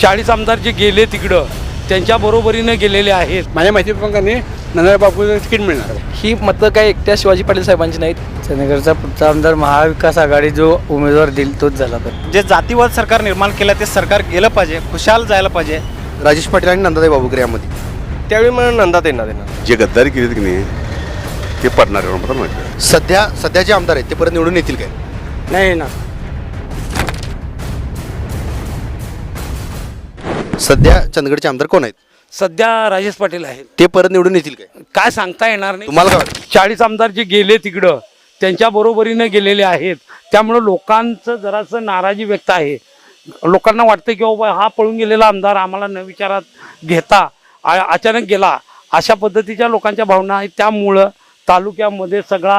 40 आमदार जे गेले तिकडं त्यांच्या बरोबरीने गेलेले आहेत. माझ्या माहितीप्रमाणे नंदराव बापूला तिकीट मिळणार. ही मतं काय एकट्या शिवाजी पाटील साहेबांची नाहीत. चंदगडचा पुढचा आमदार महाविकास आघाडी जो उमेदवार देईल तोच झाला पाहिजे. जे जातीवाद सरकार निर्माण केलं ते सरकार गेलं पाहिजे, खुशाल जायला पाहिजे. राजेश पाटील आणि नंदाताई बाबूकर यामध्ये त्यावेळी मला नंदात येणार जे गद्दारी केली की नाही ते पडणार आहे. सध्याचे आमदार आहेत ते परत निवडून येतील काय? नाही ना, सध्या चंदगडचे आमदार कोण आहेत? सध्या राजेश पाटील आहेत. ते परत निवडून येतील काय? काय सांगता येणार नाही. तुम्हाला काय वाटतं? 40 आमदार जे गेले तिकडं त्यांच्या बरोबरीने गेलेले आहेत. त्यामुळं लोकांचं जरासं नाराजी व्यक्त आहे. लोकांना वाटतं की बाबा हा पळून गेलेला आमदार आम्हाला न विचारात घेता अचानक गेला, अशा पद्धतीच्या लोकांच्या भावना आहेत. त्यामुळं तालुक्यामध्ये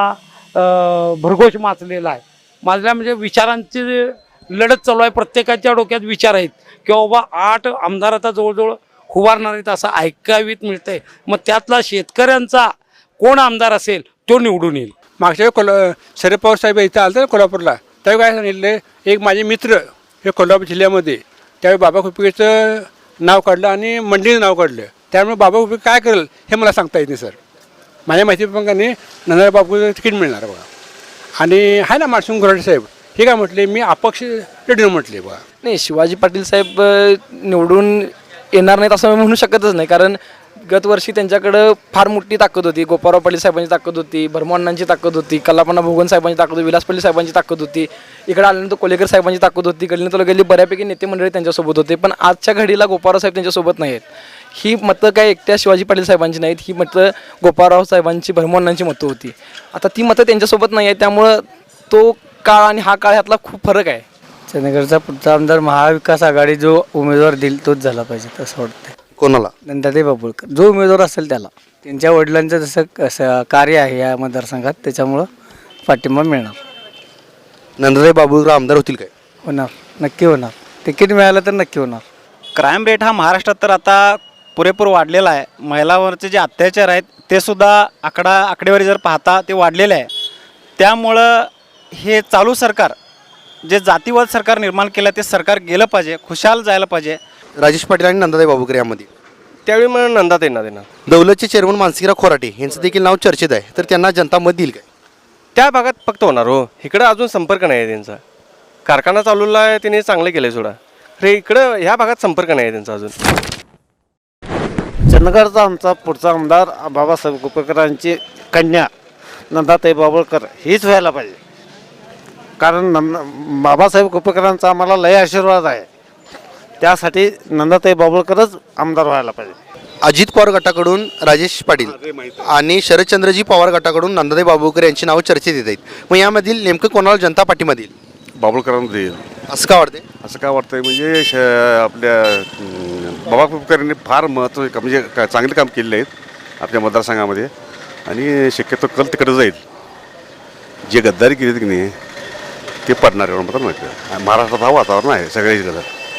सगळा भरघोष माचलेला आहे. माजल्या म्हणजे विचारांची लढत चालू आहे. प्रत्येकाच्या डोक्यात विचार आहेत की बाबा 8 आमदार आता जवळजवळ उभारणार आहेत असं ऐकावीत मिळतंय. मग त्यातला शेतकऱ्यांचा कोण आमदार असेल तो निवडून येईल. मागच्या वेळी शरद पवार साहेब इथं आलं तर कोल्हापूरला, त्यावेळी काय सांगितलं, एक माझे मित्र हे कोल्हापूर जिल्ह्यामध्ये त्यावेळी बाबा खुपकेचं नाव काढलं आणि मंडळीचं नाव काढलं. त्यामुळे बाबा खुपके काय करेल हे मला सांगता येत नाही सर. माझ्या माहितीप्रमाणे नंदराव बापूला तिकीट मिळणार बघा. आणि आहे ना मानसिंग गोराडे साहेब, हे काय म्हटले, मी अपक्ष रेडिओ म्हटले बघा. नाही, शिवाजी पाटील साहेब निवडून येणार नाहीत असं म्हणू शकतच नाही. कारण गतवर्षी त्यांच्याकडं फार मोठी ताकद होती. गोपाळराव पाटील साहेबांची ताकद होती, भरमअण्णांची ताकद होती, कल्लापण्णा भोगन साहेबांची ताकद होती, विलास पाटील साहेबांची ताकद होती. इकडे आल्यानंतर कोलेकर साहेबांची ताकद होती. गल्ली तालुक्यातली बऱ्यापैकी नेते मंडळी त्यांच्यासोबत होते. पण आजच्या घडीला गोपाळराव साहेब त्यांच्यासोबत नाही आहेत. ही मतं काय एकट्या शिवाजी पाटील साहेबांची नाहीत. ही मतं गोपाळराव साहेबांची, भरमअण्णांची मतं होती. आता ती मतं त्यांच्यासोबत नाही आहेत. त्यामुळं तो काळ आणि हा काळ ह्यातला खूप फरक आहे. चंदगडचा पुढचा आमदार महाविकास आघाडी जो उमेदवार देईल तोच झाला पाहिजे असं वाटतं. कोणाला? नंदाताई बाबूळकर जो उमेदवार असेल त्याला. त्यांच्या वडिलांचं जसं कार्य आहे या मतदारसंघात, त्याच्यामुळं पाठिंबा मिळणार. नंदाताई बाबूकर आमदार होतील काय? होणार, नक्की होणार. तिकीट मिळालं तर नक्की होणार. क्राईम रेट हा महाराष्ट्रात तर आता पुरेपूर वाढलेला आहे. महिलांवरचे जे अत्याचार आहेत ते सुद्धा आकडेवारी जर पाहता ते वाढलेले आहे. त्यामुळं हे चालू सरकार जे जातीवाद सरकार निर्माण केलं ते सरकार गेलं पाहिजे, खुशाल जायला पाहिजे. राजेश पाटील आणि नंदाताई बाबूकर यामध्ये त्यावेळी मला नंदात येणार. दौलतचे चेअरमन मानसिंगराव खोराटे यांचं देखील नाव चर्चेत आहे, तर त्यांना जनता मत देईल काय? त्या भागात फक्त होणार हो. इकडं अजून संपर्क नाही आहे त्यांचा. कारखाना चालवला आहे, त्यांनी चांगले केले सोडा. रे इकडं ह्या भागात संपर्क नाही आहे त्यांचा अजून. चंदगडचा आमचा पुढचा आमदार बाबासाहेब कुपेकरांची कन्या नंदाताई बाबूळकर हीच व्हायला पाहिजे. कारण बाबासाहेब कुपेकरांचा आम्हाला लय आशीर्वाद आहे. त्यासाठी नंदाताई बाबूळकरच आमदार व्हायला पाहिजे. अजित पवार गटाकडून राजेश पाटील आणि शरदचंद्रजी पवार गटाकडून नंदाताई बाबूकर यांची नावं चर्चेत येत आहेत. मग यामधील नेमकं कोणाला जनता पाठिंबा देईल? बाबुळकरांना देईल असं का वाटते? असं काय वाटतंय म्हणजे आपल्या बाबा कुपकरांनी फार महत्त्व म्हणजे चांगले काम केलेले आहेत आपल्या मतदारसंघामध्ये आणि शक्यतो कल तिकडे जाईल. जे गद्दारी केली की नाही ते पडणार आहे मला माहिती. महाराष्ट्रात हा वातावरण आहे सगळ्याकडं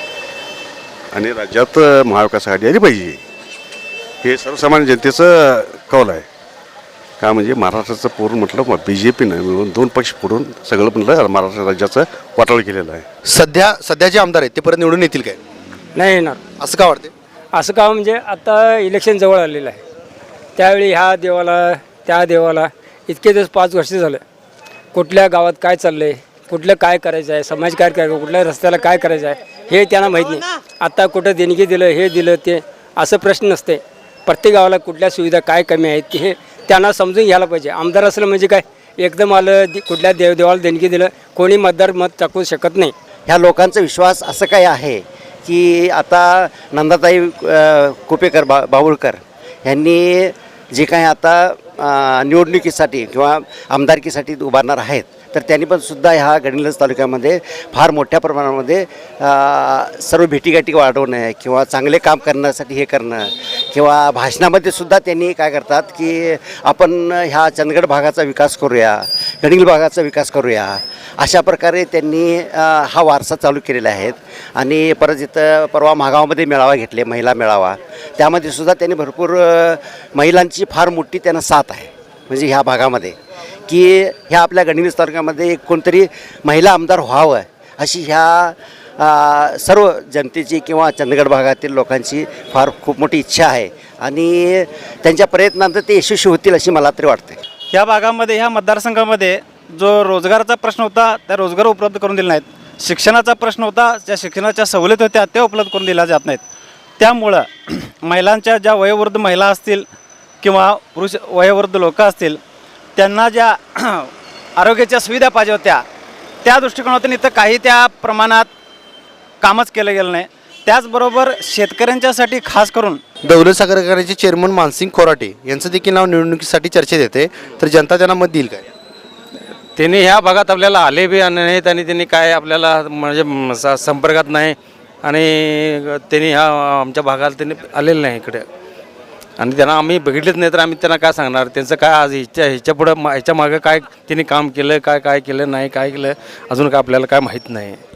आणि राज्यात महाविकास आघाडी आली पाहिजे हे सर्वसामान्य जनतेचं कौल आहे. का म्हणजे महाराष्ट्राचं पूर्ण म्हटलं BJP मिळून 2 पक्ष फोडून सगळं म्हटलं महाराष्ट्र राज्याचं वाटोळ केलेलं आहे. सध्याचे आमदार आहेत ते परत निवडून येतील काय? नाही येणार. असं का वाटते? असं का म्हणजे आता इलेक्शन जवळ आलेलं आहे. त्यावेळी ह्या देवाला त्या देवाला इतके दिवस 5 वर्ष झालं. कुठल्या गावात काय चाललं आहे, कुठलं काय करायचं आहे, समाज काय करायचं, कुठल्या रस्त्याला काय करायचं आहे हे त्यांना माहीत नाही. आता कुठं देणगी दिलं, हे दिलं, ते असं प्रश्न नसते. प्रत्येक गावाला कुठल्या सुविधा काय कमी आहेत हे त्यांना समजून घ्यायला पाहिजे. आमदार असलं म्हणजे काय एकदम आलं कुठल्या देवाला देणगी दिलं कोणी मतदार मत टाकू शकत नाही. ह्या लोकांचा विश्वास असं काय आहे की आता नंदाताई कुपेकर बाबूळकर यांनी जे काही आता निवडणुकीसाठी किंवा आमदारकीसाठी उभारणार आहेत तर त्यांनी पण सुद्धा ह्या गडिंग्लज तालुक्यामध्ये फार मोठ्या प्रमाणामध्ये सर्व भेटीगाठी वाढवणं किंवा चांगले काम करण्यासाठी हे करणं किंवा भाषणामध्ये सुद्धा त्यांनी काय करतात की आपण ह्या चंदगड भागाचा विकास करूया, गडिंग्लज भागाचा विकास करूया, अशा प्रकारे त्यांनी हा वारसा चालू केलेला आहे. आणि परत इथं परवा महागावामध्ये मेळावा घेतले, महिला मेळावा, त्यामध्ये सुद्धा त्यांनी भरपूर महिलांची फार मोठी त्यांना साथ आहे. म्हणजे ह्या भागामध्ये की ह्या आपल्या गडिंग्लज तालुक्यामध्ये कोणतरी महिला आमदार व्हावं अशी ह्या सर्व जनतेची किंवा चंदगड भागातील लोकांची फार खूप मोठी इच्छा आहे आणि त्यांच्या प्रयत्नांत ते यशस्वी होतील अशी मला तरी वाटते. ह्या भागामध्ये ह्या मतदारसंघामध्ये जो रोजगाराचा प्रश्न होता त्या रोजगार उपलब्ध करून दिले नाहीत. शिक्षणाचा प्रश्न होता, ज्या शिक्षणाच्या सवलती होत्या त्या उपलब्ध करून दिल्या जात नाहीत. त्यामुळं महिलांच्या ज्या वयोवृद्ध महिला असतील किंवा पुरुष वयोवृद्ध लोक असतील त्यांना ज्या आरोग्याच्या सुविधा पाहिजे होत्या त्या दृष्टिकोनातून इथं काही त्या प्रमाणात कामच केलं गेलं नाही. त्याचबरोबर शेतकऱ्यांच्यासाठी खास करून दौलत सागर कारखान्याचे चेअरमन मानसिंग खोराटे यांचं देखील नाव निवडणुकीसाठी चर्चेत येते, तर जनता त्यांना मत देईल काय? त्यांनी ह्या भागात आपल्याला आले बी नाहीत आणि त्यांनी काय आपल्याला म्हणजे संपर्कात नाही आणि त्यांनी ह्या आमच्या भागात त्यांनी आलेलं नाही इकडे आणि त्यांना आम्ही बघितलेच नाही तर आम्ही त्यांना काय सांगणार. त्यांचं काय आज ह्याच्या पुढं ह्याच्या मागं काय त्यांनी काम केलं काय केलं नाही काय केलं अजून काय आपल्याला काय माहीत नाही.